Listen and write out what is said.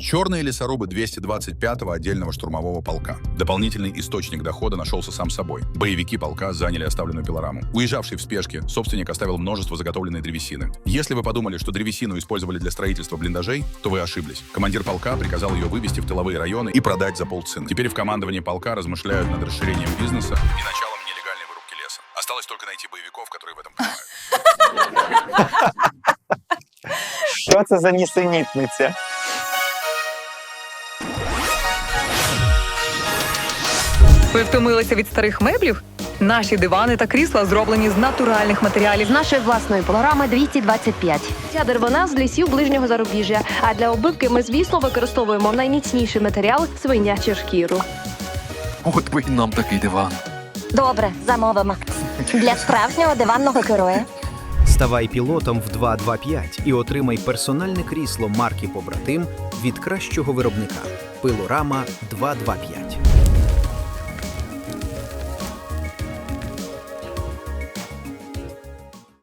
Черные лесорубы 225-го отдельного штурмового полка. Дополнительный источник дохода нашелся сам собой. Боевики полка заняли оставленную пилораму. Уезжавший в спешке, собственник оставил множество заготовленной древесины. Если вы подумали, что древесину использовали для строительства блиндажей, то вы ошиблись. Командир полка приказал ее вывести в тыловые районы и продать за полцены. Теперь в командовании полка размышляют над расширением бизнеса и началом нелегальной вырубки леса. Осталось только найти боевиков, которые в этом понимают. Що це за нісенітниця? Ви втомилися від старих меблів? Наші дивани та крісла зроблені з натуральних матеріалів. З нашої власної пилорами 225. Ця деревина з лісів ближнього зарубіжжя. А для оббивки ми, звісно, використовуємо найміцніший матеріал – свинячу шкіру. От би і нам такий диван. Добре, замовимо. Для справжнього диванного героя. Ставай пілотом в 225 і отримай персональне крісло марки «Побратим» від кращого виробника. Пилорама 225.